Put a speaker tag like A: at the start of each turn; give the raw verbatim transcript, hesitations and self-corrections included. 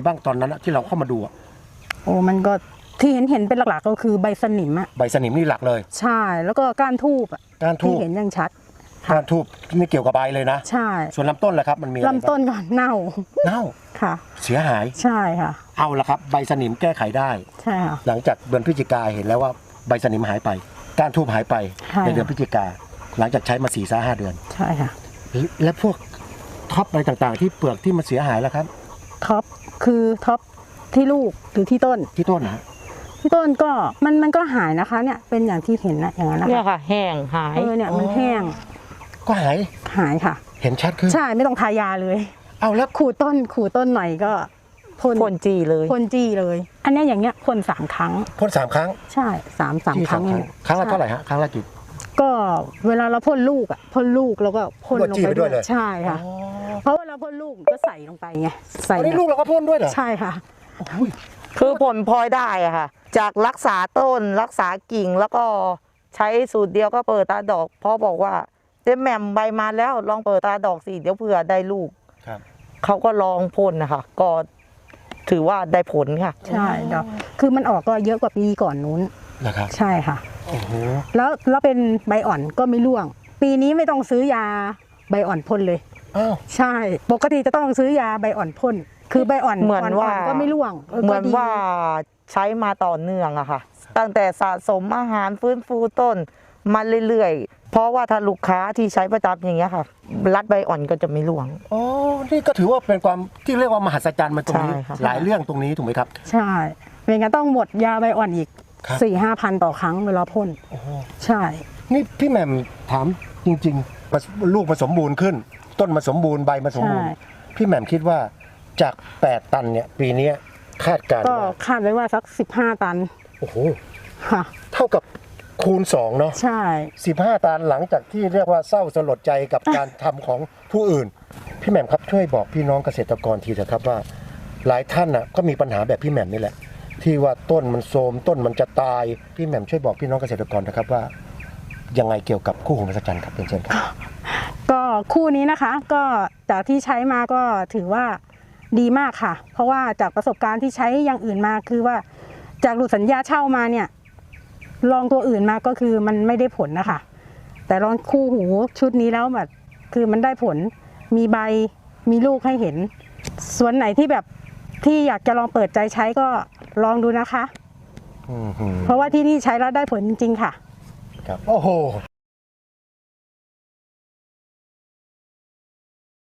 A: บ้างตอนนั้นที่เราเข้ามาดู
B: โอ้มันก็ที่เห็นเห็นเป็นหลักๆก็คือใบสนิมอะ
A: ใบสนิมนี่หลักเลย
B: ใช่แล้วก็ก้านทูบอะ
A: ก้านทูบ
B: ที่เห็นยังชัด
A: ก้านทูบไม่เกี่ยวกับใบเลยนะ
B: ใช่
A: ส่วนลำต้นแหละครับมันมี
B: ลำต้นก่อนเน่า
A: เน่า
B: ค่ะ
A: เสียหาย
B: ใช่ค่ะ
A: เอาละครับใบสนิมแก้ไขได้
B: ใช่ค่ะ
A: หลังจากเดือนพฤศจิกาเห็นแล้วว่าใบสนิมหายไปก้านทูบหายไปในเดือนพฤศจิกาหลังจากใช้มาสี่สาห้าเดือน
B: ใช่ค่ะ
A: และพวกท็อปอะไรต่างๆที่เปลือกที่มันเสียหายแล้วครับ
B: ท็อปคือท็อปที่ลูกหรือที่ต้น
A: ที่ต้นนะ
B: ที่ต้นก็มันมันก็หายนะคะเนี่ยเป็นอย่างที่เห็นนะอย่างนั้นนะคะ
C: เนี่ยค่ะแห้งหาย
B: เออเนี่ยมันแห้ง
A: ก็หาย
B: หายค่ะ
A: เห็นชัดขึ้น
B: ใช่ไม่ต้องทายาเลย
A: เอาแล้ว
B: ขูดต้นขูดต้นหน่อยก็พ่น
C: พ่นจีเลย
B: พ่นจีเลยอันนี้อย่างเงี้ยพ่นสามครั้ง
A: พ่นสามครั้ง
B: ใช่สามสามครั้ง
A: ครั้งละเท่าไหร่ฮะครั้งละกี่
B: ก็เวลาเราพ่นลูกอ่ะพ่นลูกแล้วก็พ่นลงไปด้วยใช่ค่ะเพราะเวลาพ่นลูกก็ใส่ลงไปไงใส่
A: อันนี้ลูกเราก็พ่นด้วยเหรอ
B: ใช่ค่ะ
C: คือผลพลอยได้อะค่ะจากรักษาต้นรักษากิ่งแล้วก็ใช้สูตรเดียวก็เปิดตาดอกเพราะบอกว่าเจ๊แหม่มใบมาแล้วลองเปิดตาดอกสิเดี๋ยวเผื่อได้ลูกเขาก็ลองพ่นนะคะก็ถือว่าได้ผลค่ะ
B: ใช่ดอกคือมันออกก็เยอะกว่าปีก่อนนู้น
A: นะครับ
B: ใช่ค่ะ
A: โอ้โห
B: แล้วแล้วเป็นใบอ่อนก็ไม่ร่วงปีนี้ไม่ต้องซื้อยาใบอ่อนพ่นเลย
A: อ้าว
B: ใช่ปกติจะต้องซื้อยาใบอ่อนพ่นคือใบอ่อน
C: เหมือนว่า
B: ก็ไม่ร่วง
C: เหมือนว่าใช้มาต่อเนื่องอะค่ะตั้งแต่สะสมอาหารฟื้นฟูต้นมาเรื่อยๆเพราะว่าถ้าลูกค้าที่ใช้ประจำอย่างเงี้ยค่ะรัดใบอ่อนก็จะไม่ร่วง
A: อ๋อนี่ก็ถือว่าเป็นความที่เรียกว่ามหัศจรรย์มาตรงนี้หลายเรื่องตรงนี้ถูกไหมครับ
B: ใช่ไม่งั้นต้องหมดยาใบอ่อนอีกสี่ห้าพันต่อครั้งเวลาพ่นใช่
A: นี่พี่แหม่มถามจริงๆลูกมาสมบูรณ์ขึ้นต้นมาสมบูรณ์ใบมาสมบูรณ์พี่แหม่มคิดว่าจากแปดตันเนี่ยปีนี้คาดการณ์
B: ก็คาดไว้ว่าสักสิบห้าตัน
A: โอ้โห
B: ค่ะ
A: เท่ากับคูณสองเนาะ
B: ใช่
A: สิบห้าตันหลังจากที่เรียกว่าเศร้าสลดใจกับการทำของผู้อื่นพี่แหม่มครับช่วยบอกพี่น้องเกษตรกรทีเถอะครับว่าหลายท่านน่ะก็มีปัญหาแบบพี่แหม่มนี่แหละที่ว่าต้นมันโทรมต้นมันจะตายพี่แหม่มช่วยบอกพี่น้องเกษตรกรนะครับว่ายังไงเกี่ยวกับคู่หูมหัศจรรย์ครับเป็นเช่นครับ
B: ก็คู่นี้นะคะก็จากที่ใช้มาก็ถือว่าดีมากค่ะเพราะว่าจากประสบการณ์ที่ใช้อย่างอื่นมาคือว่าจากหลุดสัญญาเช่ามาเนี่ยลองตัวอื่นมาก็คือมันไม่ได้ผลนะคะแต่ลองคู่หูชุดนี้แล้วแบบคือมันได้ผลมีใบมีลูกให้เห็นส่วนไหนที่แบบที่อยากจะลองเปิดใจใช้ก็ลองดูนะคะเพราะว่าที่นี่ใช้แล้วได้ผลจริงๆค่ะ
A: ครับโอ้โห